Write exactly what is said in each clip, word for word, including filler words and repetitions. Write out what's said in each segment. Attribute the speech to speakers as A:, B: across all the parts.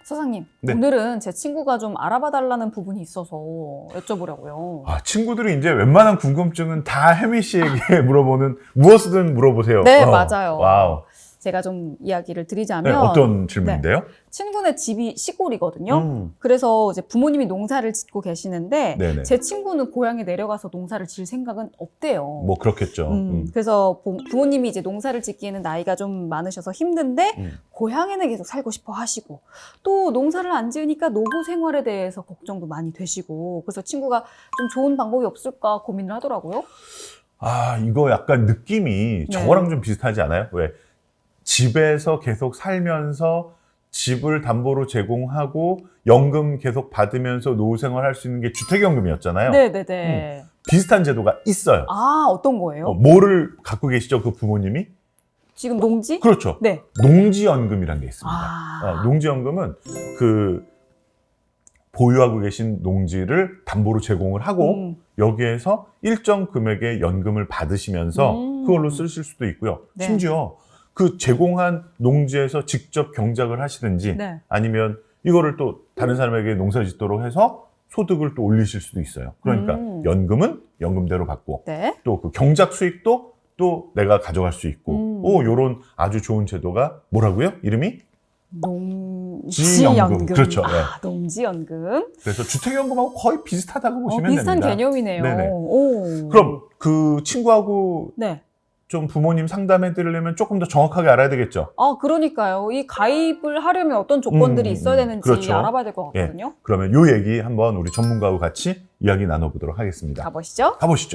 A: 사장님,
B: 네.
A: 오늘은 제 친구가 좀 알아봐 달라는 부분이 있어서 여쭤보려고요.
B: 아, 친구들이 이제 웬만한 궁금증은 다 혜미 씨에게 물어보는, 무엇이든 물어보세요.
A: 네,
B: 어,
A: 맞아요.
B: 와우.
A: 제가 좀 이야기를 드리자면
B: 네, 어떤 질문인데요?
A: 친구네 집이 시골이거든요.
B: 음.
A: 그래서 이제 부모님이 농사를 짓고 계시는데
B: 네네.
A: 제 친구는 고향에 내려가서 농사를 질 생각은 없대요.
B: 뭐 그렇겠죠.
A: 음,
B: 음.
A: 그래서 부- 부모님이 이제 농사를 짓기에는 나이가 좀 많으셔서 힘든데
B: 음.
A: 고향에는 계속 살고 싶어 하시고 또 농사를 안 지으니까 노후 생활에 대해서 걱정도 많이 되시고 그래서 친구가 좀 좋은 방법이 없을까 고민을 하더라고요.
B: 아, 이거 약간 느낌이 저거랑 좀 비슷하지 않아요? 왜? 집에서 계속 살면서 집을 담보로 제공하고 연금 계속 받으면서 노후 생활할 수 있는 게 주택연금이었잖아요.
A: 네네네.
B: 비슷한 제도가 있어요.
A: 아, 어떤 거예요?
B: 어, 뭐를 갖고 계시죠, 그 부모님이?
A: 지금 농지?
B: 그렇죠.
A: 네.
B: 농지연금이라는 게 있습니다.
A: 아.
B: 어, 농지연금은 그 보유하고 계신 농지를 담보로 제공을 하고
A: 음.
B: 여기에서 일정 금액의 연금을 받으시면서
A: 음.
B: 그걸로 쓰실 수도 있고요.
A: 네.
B: 심지어 그 제공한 농지에서 직접 경작을 하시든지
A: 네.
B: 아니면 이거를 또 다른 사람에게 농사 짓도록 해서 소득을 또 올리실 수도 있어요. 그러니까
A: 음.
B: 연금은 연금대로 받고
A: 네.
B: 또 그 경작 수익도 또 내가 가져갈 수 있고
A: 음.
B: 오, 요런 아주 좋은 제도가 뭐라고요? 이름이?
A: 농지연금.
B: 지연금. 그렇죠. 네.
A: 아, 농지연금.
B: 그래서 주택연금하고 거의 비슷하다고
A: 어,
B: 보시면
A: 비슷한
B: 됩니다.
A: 개념이네요.
B: 네네.
A: 오.
B: 그럼 그 친구하고
A: 네.
B: 좀 부모님 상담해 드리려면 조금 더 정확하게 알아야 되겠죠?
A: 아, 그러니까요. 이 가입을 하려면 어떤 조건들이
B: 음,
A: 있어야 되는지
B: 그렇죠.
A: 알아봐야 될 것 같거든요.
B: 그러면 요 얘기 한번 우리 전문가하고 같이 이야기 나눠보도록 하겠습니다.
A: 가보시죠.
B: 가보시죠.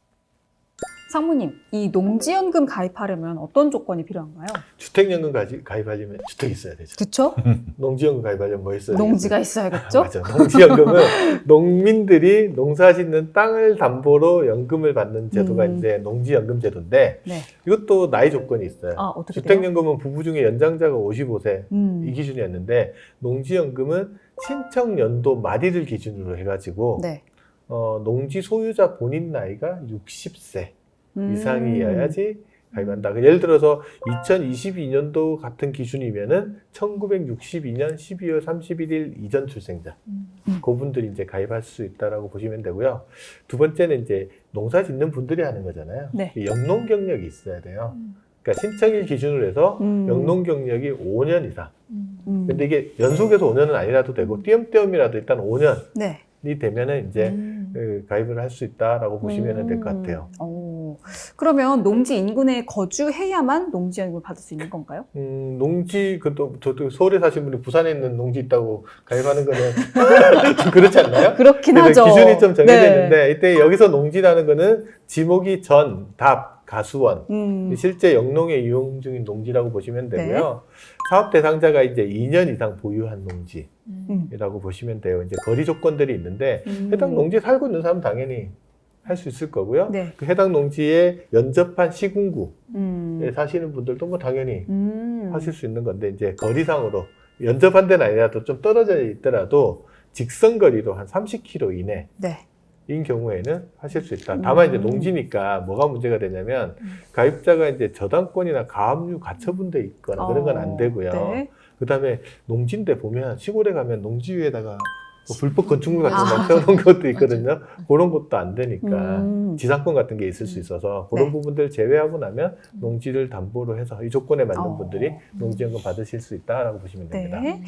A: 상무님, 이 농지연금 가입하려면 어떤 조건이 필요한가요?
C: 주택연금 가지, 가입하려면 주택이 있어야 되죠.
A: 그쵸?
C: 농지연금 가입하려면 뭐 있어야
A: 농지가
C: 되겠어요?
A: 있어야겠죠?
C: 아, 맞아. 농지연금은 농민들이 농사 짓는 땅을 담보로 연금을 받는 제도가
A: 음.
C: 이제 농지연금 제도인데
A: 네.
C: 이것도 나이 조건이 있어요.
A: 아, 어떻게 돼요?
C: 주택연금은 부부 중에 연장자가 오십오 세
A: 음.
C: 이 기준이었는데 농지연금은 신청 연도 말일을 기준으로 해가지고
A: 네.
C: 어, 농지 소유자 본인 나이가 육십 세
A: 음.
C: 이상이어야지 가입한다. 예를 들어서 이천이십이 년도 같은 기준이면은 천구백육십이 년 십이월 삼십일 일 이전 출생자,
A: 음.
C: 그분들이 이제 가입할 수 있다라고 보시면 되고요. 두 번째는 이제 농사 짓는 분들이 하는 거잖아요.
A: 네.
C: 영농 경력이 있어야 돼요.
A: 음.
C: 그러니까 신청일 기준으로 해서
A: 음.
C: 영농 경력이 오 년 이상.
A: 음.
C: 근데 이게 연속해서 오 년은 아니라도 되고 띄엄띄엄이라도 일단 오 년이
A: 네.
C: 되면은 이제
A: 음.
C: 그 가입을 할 수 있다라고 보시면 될 것 같아요.
A: 오. 그러면 농지 인근에 거주해야만 농지연금을 받을 수 있는 건가요?
C: 음, 농지, 그또 저도 서울에 사신 분이 부산에 있는 농지 있다고 가입하는 거는 좀 그렇지 않나요?
A: 그렇긴
C: 그래서
A: 하죠.
C: 기준이 좀 정해져
A: 네.
C: 있는데 이때 여기서 농지라는 거는 지목이 전, 답, 가수원
A: 음.
C: 실제 영농에 이용 중인 농지라고 보시면 되고요.
A: 네.
C: 사업 대상자가 이제 이 년 이상 보유한
A: 음.
C: 농지라고 보시면 돼요. 이제 거리 조건들이 있는데
A: 음.
C: 해당 농지에 살고 있는 사람은 당연히 할 수 있을 거고요.
A: 네.
C: 그 해당 농지에 연접한 시군구에
A: 음.
C: 사시는 분들도 뭐 당연히
A: 음.
C: 하실 수 있는 건데 이제 거리상으로 연접한 데는 아니라도 좀 떨어져 있더라도 직선 거리로 한 삼십 킬로미터 이내인
A: 네.
C: 경우에는 하실 수 있다. 다만 이제
A: 음.
C: 농지니까 뭐가 문제가 되냐면
A: 음.
C: 가입자가 이제 저당권이나 가압류 가처분돼 있거나 그런 건 안 되고요.
A: 네.
C: 그다음에 농지인데 보면 시골에 가면 농지 위에다가 뭐 불법 건축물 같은
A: 아,
C: 거 세워놓은 것도 있거든요. 그런 것도 안 되니까
A: 음.
C: 지상권 같은 게 있을 수 있어서 그런
A: 네.
C: 부분들 제외하고 나면 농지를 담보로 해서 이 조건에 맞는
A: 어.
C: 분들이 농지연금 받으실 수 있다라고 보시면 됩니다.
A: 네.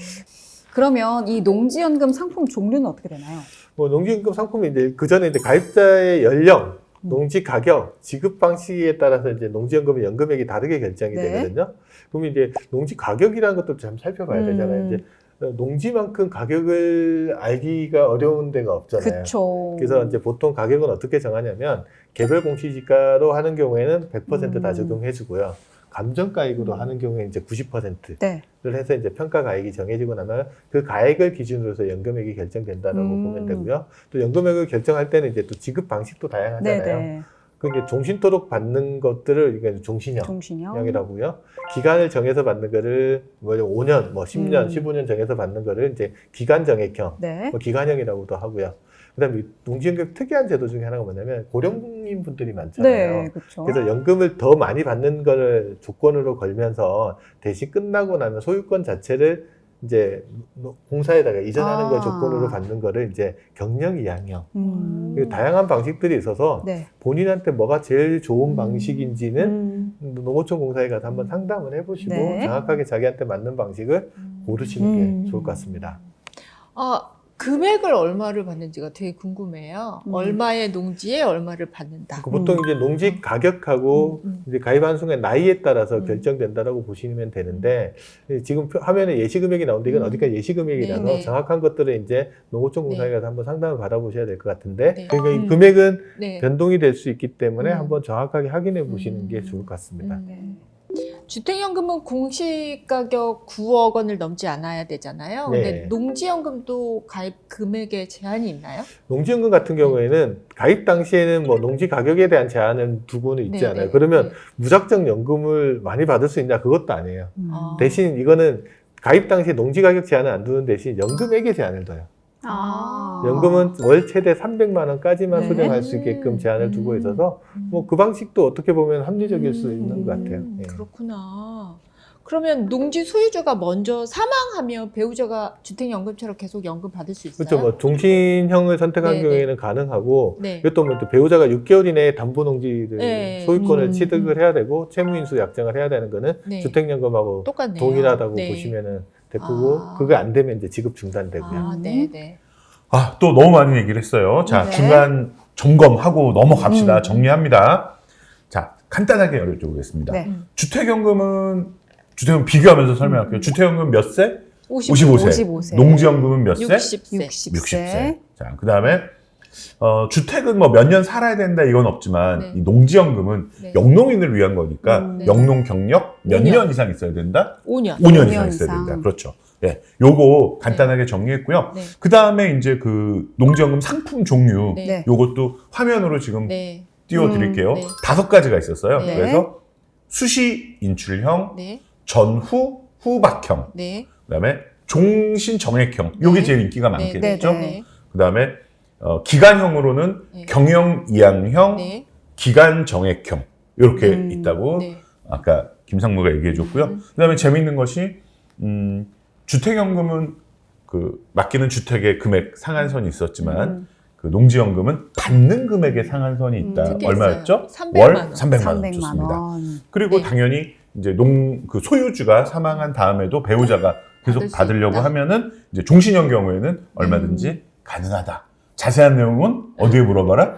A: 그러면 이 농지연금 상품 종류는 어떻게 되나요?
C: 뭐 농지연금 상품이 이제 그 전에 이제 가입자의 연령,
A: 음.
C: 농지 가격, 지급 방식에 따라서 이제 농지연금의 연금액이 다르게 결정이
A: 네.
C: 되거든요. 그러면 이제 농지 가격이라는 것도 좀 살펴봐야
A: 음.
C: 되잖아요. 이제 농지만큼 가격을 알기가 어려운 데가 없잖아요.
A: 그쵸.
C: 그래서 이제 보통 가격은 어떻게 정하냐면 개별 공시지가로 하는 경우에는 백 퍼센트 다
A: 음.
C: 적용해주고요. 감정가액으로
A: 음.
C: 하는 경우에 이제 구십 퍼센트를
A: 네.
C: 해서 이제 평가 가액이 정해지고 나면 그 가액을 기준으로 해서 연금액이 결정된다라고
A: 음.
C: 보면 되고요. 또 연금액을 결정할 때는 이제 또 지급 방식도 다양하잖아요.
A: 네네.
C: 그게 종신토록 받는 것들을 이게 종신형.
A: 종신형.
C: 이라고요. 기간을 정해서 받는 거를 뭐 오 년, 뭐 십 년,
A: 음.
C: 십오 년 정해서 받는 거를 이제 기간 정액형,
A: 네.
C: 뭐 기간형이라고도 하고요. 그다음에 농지연금 특이한 제도 중에 하나가 뭐냐면 고령인 분들이 많잖아요.
A: 네, 그렇죠.
C: 그래서 연금을 더 많이 받는 거를 조건으로 걸면서 대신 끝나고 나면 소유권 자체를 이제 공사에다가 이전하는
A: 아.
C: 거 조건으로 받는 거를 이제 경영 이양형.
A: 음.
C: 그리고 다양한 방식들이 있어서
A: 네.
C: 본인한테 뭐가 제일 좋은
A: 음.
C: 방식인지는
A: 음.
C: 농어촌 공사에 가서 한번 상담을 해보시고
A: 네.
C: 정확하게 자기한테 맞는 방식을 고르시는
A: 음.
C: 게 좋을 것 같습니다.
D: 아, 금액을 얼마를 받는지가 되게 궁금해요.
A: 음.
D: 얼마의 농지에 얼마를 받는다.
C: 그 보통 이제 농지 가격하고
D: 음, 음.
C: 이제 가입한 순간 나이에 따라서
D: 음.
C: 결정된다라고 보시면 되는데 지금 표- 화면에 예시금액이 나오는데 이건
D: 음.
C: 어디까지 예시금액이라서
D: 네, 네.
C: 정확한 것들은 이제 농어촌 공사에
D: 네.
C: 가서 한번 상담을 받아보셔야 될 것 같은데
D: 네.
C: 그러니까 이
A: 음.
C: 금액은
D: 네.
C: 변동이 될 수 있기 때문에
D: 음.
C: 한번 정확하게 확인해 보시는
D: 음.
C: 게 좋을 것 같습니다.
D: 음. 네. 주택연금은 공시 가격 구억 원을 넘지 않아야 되잖아요.
C: 네.
D: 근데 농지연금도 가입 금액에 제한이 있나요?
C: 농지연금 같은 경우에는 가입 당시에는 뭐 농지 가격에 대한 제한은 두고는 있지
D: 네,
C: 않아요.
D: 네.
C: 그러면
D: 네.
C: 무작정 연금을 많이 받을 수 있냐? 그것도 아니에요.
A: 음.
D: 아.
C: 대신 이거는 가입 당시에 농지 가격 제한을 안 두는 대신 연금액에 제한을 둬요.
A: 아.
C: 연금은 월 최대 삼백만 원까지만
A: 네.
C: 수령할 수 있게끔 제한을 두고
D: 음.
C: 있어서 뭐 그 방식도 어떻게 보면 합리적일 수 있는 것 같아요.
D: 음,
C: 예.
D: 그렇구나. 그러면 농지 소유주가 먼저 사망하면 배우자가 주택연금처럼 계속 연금 받을 수 있어요?
C: 그렇죠. 뭐 종신형을 선택한
D: 네,
C: 경우에는 가능하고
D: 네.
C: 이것도 뭐또 배우자가 육 개월 이내에 담보 농지를
D: 네.
C: 소유권을
A: 음.
C: 취득을 해야 되고 채무인수 약정을 해야 되는 거는
D: 네.
C: 주택연금하고
D: 똑같네요.
C: 동일하다고
D: 네.
C: 보시면은 됐고
D: 아.
C: 그거 안 되면 이제 지급 중단되고요.
D: 아, 네, 네.
B: 아, 또 너무 많은 얘기를 했어요. 자,
A: 네.
B: 중간 점검하고 넘어갑시다.
A: 음.
B: 정리합니다. 자, 간단하게 여쭤보겠습니다.
A: 네.
D: 음.
B: 주택연금은, 주택연금 비교하면서 설명할게요.
D: 음.
B: 주택연금 몇 세?
D: 오십오 세.
B: 오십오 세.
A: 오십오 세.
B: 농지연금은 몇 세?
D: 육십 세.
A: 육십
B: 육십 세.
A: 세.
B: 자, 그 다음에, 어, 주택은 뭐 몇 년 살아야 된다 이건 없지만,
D: 네.
B: 이 농지연금은
D: 네.
B: 영농인을 위한 거니까,
A: 음.
D: 네.
B: 영농 경력 몇
D: 오 년.
B: 년 이상 있어야 된다?
D: 오 년.
B: 오 년
A: 오
B: 이상
A: 년
B: 있어야
A: 이상.
B: 된다. 그렇죠. 예. 요거 간단하게 정리했고요.
D: 네.
B: 그 다음에 이제 그 농지연금 상품 종류,
D: 네.
A: 네.
B: 요것도 화면으로 지금
D: 네.
B: 띄워드릴게요.
D: 음, 네.
B: 다섯 가지가 있었어요.
D: 네.
B: 그래서 수시 인출형,
D: 네.
B: 전후 후박형,
D: 네.
B: 그다음에 종신 정액형. 요게
D: 네.
B: 제일 인기가
D: 네.
B: 많겠죠.
A: 네.
D: 네.
B: 그다음에 어, 기간형으로는
D: 네.
B: 경영 이양형,
D: 네.
B: 기간 정액형 이렇게
A: 음,
B: 있다고
D: 네.
B: 아까 김상무가 얘기해줬고요.
D: 음.
B: 그다음에 재미있는 것이 음, 주택연금은 그 맡기는 주택의 금액 상한선이 있었지만
A: 음.
B: 그 농지연금은 받는 금액의 상한선이 있다.
A: 음,
D: 그게
B: 얼마였죠?
D: 있어요. 삼백만 원.
B: 월 삼백만 원
A: 삼백만
B: 좋습니다.
A: 원.
B: 그리고
D: 네.
B: 당연히 이제 농 그 소유주가 사망한 다음에도 배우자가 계속
D: 받을 수
B: 받으려고
D: 있다.
B: 하면은 이제 종신형 경우에는 얼마든지
D: 음.
B: 가능하다. 자세한 내용은 어디에 물어봐라?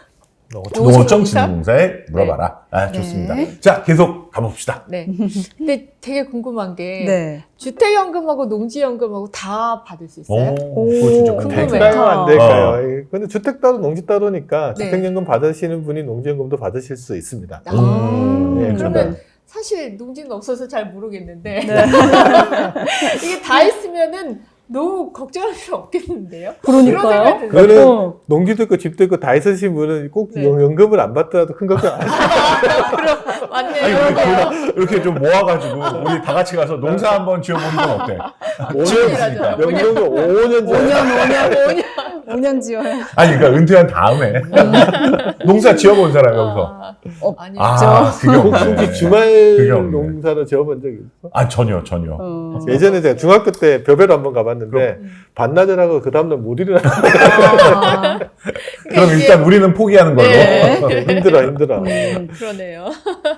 C: 농어촌
B: 농어청
D: 농어청공사?
B: 진흥공사에 물어봐라. 아, 좋습니다.
A: 네.
B: 자, 계속 가봅시다.
D: 네. 근데 되게 궁금한 게
A: 네.
D: 주택연금하고 농지연금하고 다 받을 수 있어요?
B: 오,
A: 오,
B: 그거 진짜
D: 궁금해요.
B: 궁금해.
C: 될까요? 안
B: 어.
C: 될까요? 근데 주택 따로 농지 따로니까
D: 네.
C: 주택연금 받으시는 분이 농지연금도 받으실 수 있습니다.
D: 아,
B: 음,
C: 네,
D: 그러면 사실 농지는 없어서 잘 모르겠는데
A: 네.
D: 이게 다 있으면은 너무 걱정할 필요 없겠는데요?
A: 그러니까요.
D: 그런 생각이
C: 그거는
A: 어.
C: 농지도 있고 집도 있고 다 있으신 분은 꼭
D: 네.
C: 연금을 안 받더라도 큰 걱정 안 하세요.
D: 그럼 맞네요.
B: 아니, 우리
D: 그러네요.
B: 둘 이렇게 좀 모아가지고 우리 다 같이 가서 농사 한번 지어보는 건 어때?
C: 오
B: 지어보니까.
D: 오 년.
C: 연금을 오 년 전에
A: 오 년, 오 년,
D: 오 년.
A: 오 년 지어야.
B: 아니, 그러니까 은퇴한 다음에 농사 지어본 사람 여기서.
D: 아,
A: 어,
D: 아니,
B: 아, 그게
C: 혹시
B: 없네.
C: 주말
B: 그게 없네.
C: 농사로 지어본 적 있어?
B: 아, 전혀, 전혀.
A: 어.
C: 예전에 제가 중학교 때 벼베로 한번 가봤는데
D: 음.
C: 반나절 하고 그 다음날 못 일어나.
A: 아,
B: 그럼
D: 이게-
B: 일단 우리는 포기하는 걸로.
D: 네.
C: 힘들어 힘들어.
A: 음.
D: 그러네요.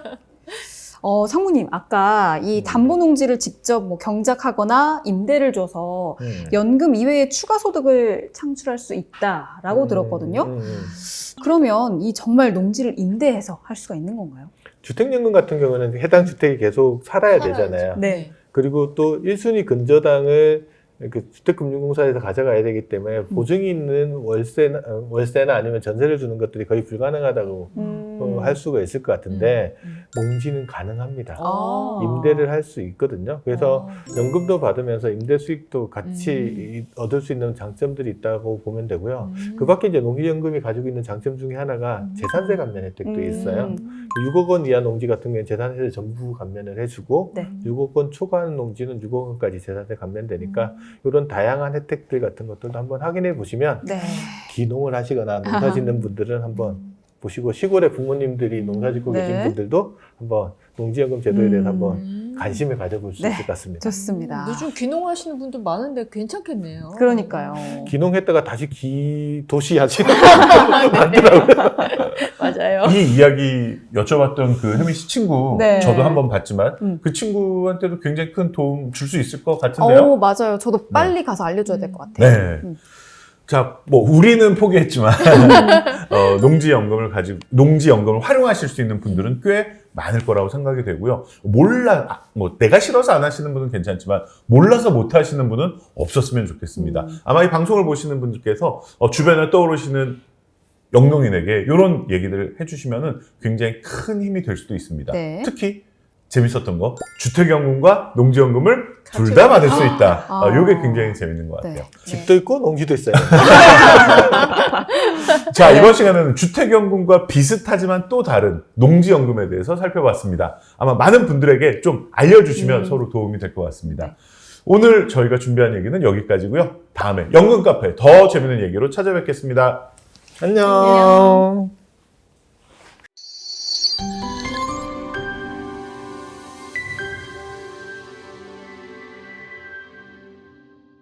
A: 어, 상무님, 아까 이 담보농지를 직접 뭐 경작하거나 임대를 줘서
C: 음.
A: 연금 이외에 추가 소득을 창출할 수 있다라고
C: 음,
A: 들었거든요.
C: 음, 음.
A: 그러면 이 정말 농지를 임대해서 할 수가 있는 건가요?
C: 주택연금 같은 경우는 해당 주택이 계속 살아야 되잖아요.
A: 네.
C: 그리고 또 일 순위 근저당을 그 주택금융공사에서 가져가야 되기 때문에 보증이 있는 월세나, 어, 월세나 아니면 전세를 주는 것들이 거의 불가능하다고
A: 음.
C: 어, 할 수가 있을 것 같은데
D: 음.
C: 농지는 가능합니다.
A: 아.
C: 임대를 할 수 있거든요. 그래서
D: 어.
C: 연금도 받으면서 임대 수익도 같이
D: 음.
C: 이- 얻을 수 있는 장점들이 있다고 보면 되고요.
D: 음.
C: 그 밖에 이제 농지연금이 가지고 있는 장점 중에 하나가
D: 음.
C: 재산세 감면 혜택도
A: 음.
C: 있어요.
D: 음.
C: 육억 원 이하 농지 같은 경우는 재산세를 전부 감면을 해주고
A: 네.
C: 육억 원 초과하는 농지는 육억 원까지 재산세 감면되니까
D: 음.
C: 이런 다양한 혜택들 같은 것들도 한번 확인해 보시면
A: 네.
C: 기농을 하시거나 농사 짓는 분들은 한번 보시고 시골에 부모님들이 농사 짓고
A: 네.
C: 계신 분들도 한번 농지연금 제도에 대해서
A: 음.
C: 한번
D: 음. 음.
C: 관심을 가져볼 수
A: 네.
C: 있을 것 같습니다.
A: 좋습니다.
D: 요즘 귀농하시는 분들 많은데 괜찮겠네요.
A: 그러니까요.
C: 귀농했다가 다시 기 도시 하시는 분들 많더라고요.
D: 맞아요.
B: 이 이야기 여쭤봤던 그 혜민 씨 친구
A: 네.
B: 저도 한번 봤지만
A: 음.
B: 그 친구한테도 굉장히 큰 도움 줄 수 있을 것 같은데요.
A: 어, 맞아요. 저도 빨리 가서 알려줘야 될 것 같아요.
B: 네.
A: 음.
B: 자, 뭐 우리는 포기했지만 어, 농지연금을 가지고 농지연금을 활용하실 수 있는 분들은 꽤 많을 거라고 생각이 되고요. 몰라, 아, 뭐 내가 싫어서 안 하시는 분은 괜찮지만 몰라서 못 하시는 분은 없었으면 좋겠습니다.
A: 음.
B: 아마 이 방송을 보시는 분들께서 어, 주변에 떠오르시는 영농인에게 이런 얘기들을 해주시면은 굉장히 큰 힘이 될 수도 있습니다.
A: 네.
B: 특히 재밌었던 거 주택연금과 농지연금을 둘 다 받을 수 있다.
A: 아.
B: 어, 이게 굉장히 재밌는 것 같아요.
A: 네.
C: 집도 있고 농지도 있어요.
B: 자, 이번 시간에는 주택연금과 비슷하지만 또 다른 농지연금에 대해서 살펴봤습니다. 아마 많은 분들에게 좀 알려주시면
A: 음.
B: 서로 도움이 될 것 같습니다.
A: 네.
B: 오늘 저희가 준비한 얘기는 여기까지고요. 다음에 연금 카페 더 재밌는 얘기로 찾아뵙겠습니다.
C: 안녕.